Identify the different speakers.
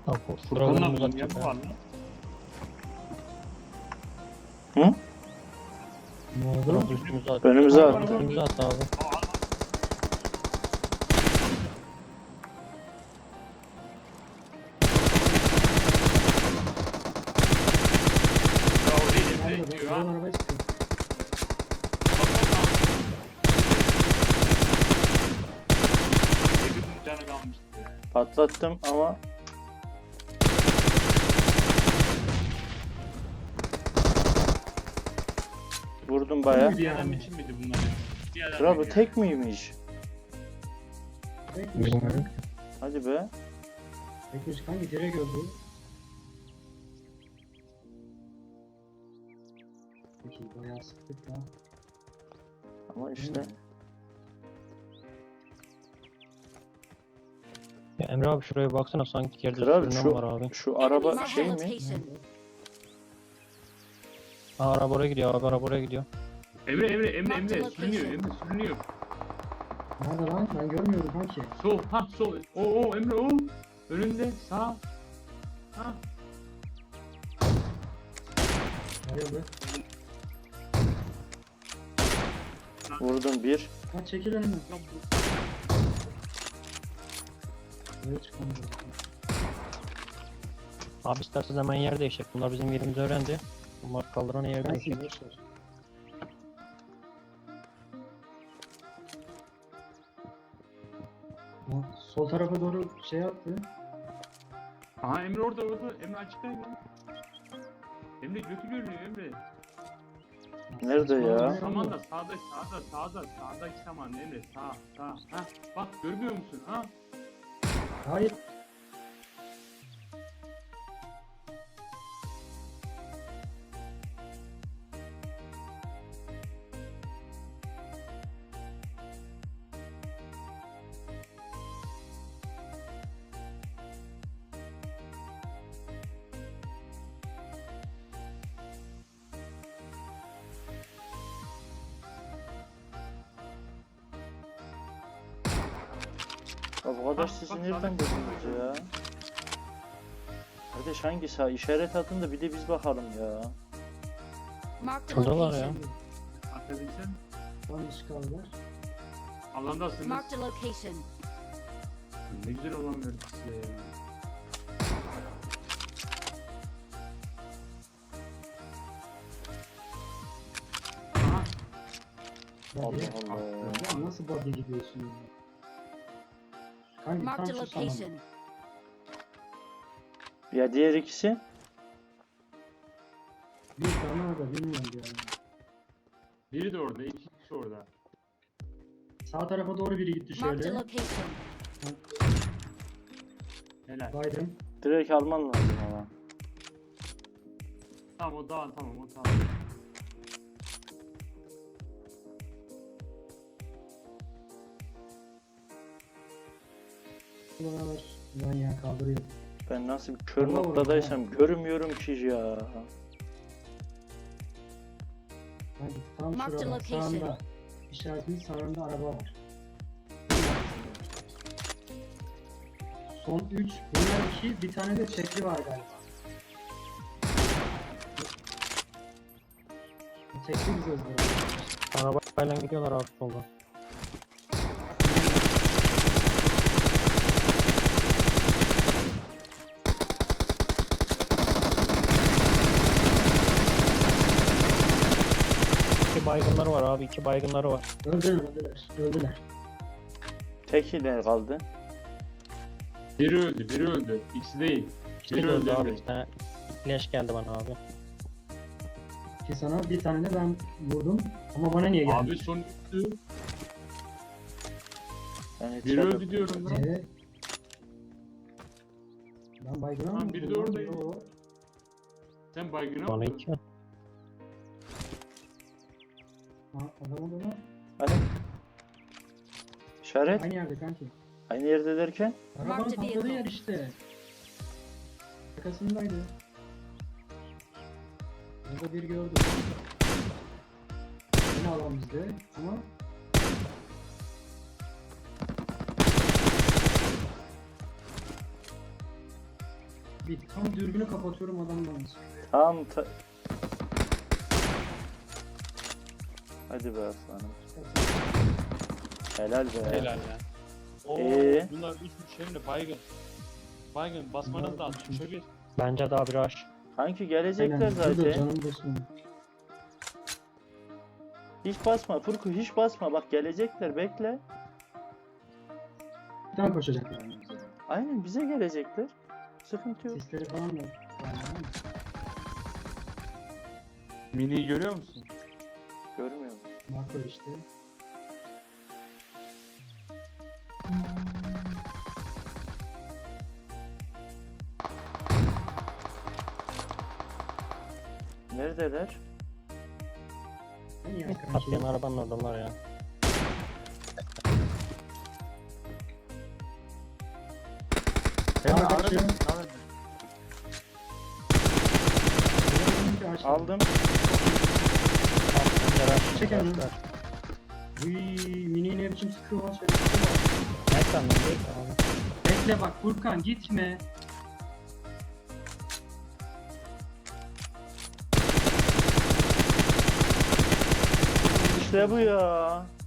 Speaker 1: Furkan'la
Speaker 2: Drop'un
Speaker 1: mı var lan?
Speaker 3: Hı?
Speaker 2: Ne oldu?
Speaker 1: Drop üstümüze at.
Speaker 3: Önümüze attı.
Speaker 1: Üstümüze at abi.
Speaker 2: Ya o değil
Speaker 4: Nerede?
Speaker 2: Emre diyor
Speaker 4: Buradan
Speaker 2: ha.
Speaker 4: arabaya çıkıyor.
Speaker 2: Yakın canı kalmıştı.
Speaker 3: Patlattım ama vurdum baya.
Speaker 4: Bir
Speaker 2: Adam
Speaker 4: adam
Speaker 2: için miydi bunlar ya? Bir adam
Speaker 3: Kral bu
Speaker 2: mıydı
Speaker 3: tek miymiş?
Speaker 4: Tekmiş
Speaker 1: Bilmiyorum.
Speaker 4: lan.
Speaker 3: Hadi be.
Speaker 4: Tekmiş kanki direkt öldü. Peki bayağı sıktık lan.
Speaker 3: Ama işte
Speaker 1: Ya Emre abi şuraya baksana sanki yerde
Speaker 3: kral
Speaker 1: sürünen var abi.
Speaker 3: şu araba
Speaker 5: Marked a
Speaker 3: şey mi?
Speaker 5: location.
Speaker 1: Ha, araba oraya gidiyor abi, araba oraya gidiyor.
Speaker 2: Emre sürünüyor sürünüyor.
Speaker 4: Nerede lan? Ben görmüyorum kanki.
Speaker 2: Sol o Emre o. Önünde sağ. Ha.
Speaker 4: Nerede?
Speaker 3: Vurdum bir.
Speaker 4: Ha çekil önümden.
Speaker 2: Lan bu-
Speaker 4: Buraya çıkalım.
Speaker 1: Abi isterseniz hemen yer değişecek. Bunlar bizim yerimizi öğrendi. Bunlar kaldıran yer
Speaker 4: Kanki
Speaker 1: değişecek.
Speaker 4: boş ver. Ha, sol tarafa doğru şey attı.
Speaker 2: Aha Emre orada. Emre açıkta Emre. Emre götü görünüyor Emre.
Speaker 3: Nerede ya?
Speaker 2: Saman da sağdaki saman Emre sağ. Ha bak görmüyor musun ha?
Speaker 4: Hayır.
Speaker 3: Ya bu kadar
Speaker 2: Bak,
Speaker 3: sizi
Speaker 2: bak,
Speaker 3: nereden
Speaker 2: bak.
Speaker 3: buldunuz ya? Kardeş hangi sağ? İşaret atın da bir de biz bakalım ya.
Speaker 5: Marked a
Speaker 1: Şuradalar ya.
Speaker 5: location.
Speaker 2: Atabilsen
Speaker 4: Tam dışı kaldılar.
Speaker 2: alandasınız.
Speaker 5: Marked a location.
Speaker 2: Ne güzel olamıyor size ya. Aha.
Speaker 3: Allah
Speaker 4: Body.
Speaker 3: Allah.
Speaker 4: Ya nasıl body gidiyorsun ya? Kanki tam
Speaker 5: Marked a
Speaker 4: şu saman.
Speaker 5: location.
Speaker 3: Ya diğer ikisi?
Speaker 4: Bir tane orada bilmiyorum yani.
Speaker 2: Biri de orada, iki kişi orada.
Speaker 4: Sağ tarafa doğru biri gitti
Speaker 5: Marked a
Speaker 4: şöyle.
Speaker 5: location.
Speaker 2: Helal.
Speaker 4: Baydım.
Speaker 3: Direkt alman lazım ama.
Speaker 2: Tamam o tamam o tamam.
Speaker 4: Buralar. Lan ya kaldırıyor.
Speaker 3: Ben nasıl bir kör
Speaker 4: Allah
Speaker 3: noktadaysam
Speaker 4: Allah.
Speaker 3: görmüyorum ki ya.
Speaker 4: Kanki tam
Speaker 5: Marked
Speaker 4: şurada
Speaker 5: location.
Speaker 4: sağında. İşaretinin sağında araba var. Son 3. Bunlar 2. Bir tane de çekli var galiba. Çekli bize ızgara.
Speaker 1: Arabayla gidiyorlar abi solda. İki baygınları var abi, iki baygınları var.
Speaker 4: Öldüler.
Speaker 3: Teki de kaldı.
Speaker 2: Biri öldü. İkisi değil.
Speaker 1: İkisi
Speaker 2: Biri
Speaker 1: de öldü
Speaker 2: öldü
Speaker 1: abi,
Speaker 2: Emre.
Speaker 1: iki tane flash geldi bana abi.
Speaker 4: Ki sana bir tane de ben vurdum. Ama bana niye geldi?
Speaker 2: Abi son üstü.
Speaker 3: Yani
Speaker 2: Biri öldü diyorum lan.
Speaker 4: Ben baygına
Speaker 2: Lan
Speaker 4: mı?
Speaker 2: biri de
Speaker 4: vurdum?
Speaker 2: oradaydı.
Speaker 4: Yo.
Speaker 2: Sen baygına
Speaker 1: Bana
Speaker 2: mı?
Speaker 1: iki.
Speaker 4: Ha, adamı da
Speaker 3: Hadi. İşaret.
Speaker 4: aynı yerde kanki.
Speaker 3: Aynı yerde derken.
Speaker 4: Arabanın
Speaker 5: Marked
Speaker 4: patladığı
Speaker 5: vehicle.
Speaker 4: yer işte. Arkasındaydı. Burada bir gördüm. Yine alan bizde ama Bir tam dürbünü kapatıyorum adamdan.
Speaker 3: Tam Hadi be aslanım. Helal be.
Speaker 2: Helal ya. Oo, bunlar 3 hem de baygın. Baygın basmanız lazım. Şöyle
Speaker 1: Bence daha bir aş.
Speaker 3: Kanki gelecekler
Speaker 4: Aynen, dur
Speaker 3: zaten.
Speaker 4: canım basmıyor.
Speaker 3: Hiç basma Furku, hiç basma. Bak gelecekler, bekle.
Speaker 4: Bir tane koşacaklar. Yani.
Speaker 3: Aynen bize gelecekler. Sıkıntı yok.
Speaker 4: Sesleri falan da.
Speaker 2: miniyi görüyor musun?
Speaker 3: Görmüyorum.
Speaker 4: Markör işte.
Speaker 3: Neredeler?
Speaker 4: En iyi
Speaker 1: Atlayan
Speaker 4: arkadaşım.
Speaker 1: arabanın oradalar ya.
Speaker 2: Hemen
Speaker 4: kaçıyor.
Speaker 2: aradım.
Speaker 3: Aldım.
Speaker 1: Bence rush.
Speaker 4: Çek elini.
Speaker 1: rushlar.
Speaker 4: Uy, mini ne biçim sıkıyor lan.
Speaker 1: Nereden lan değil abi.
Speaker 4: Bekle bak Furkan gitme.
Speaker 3: İşte bu ya.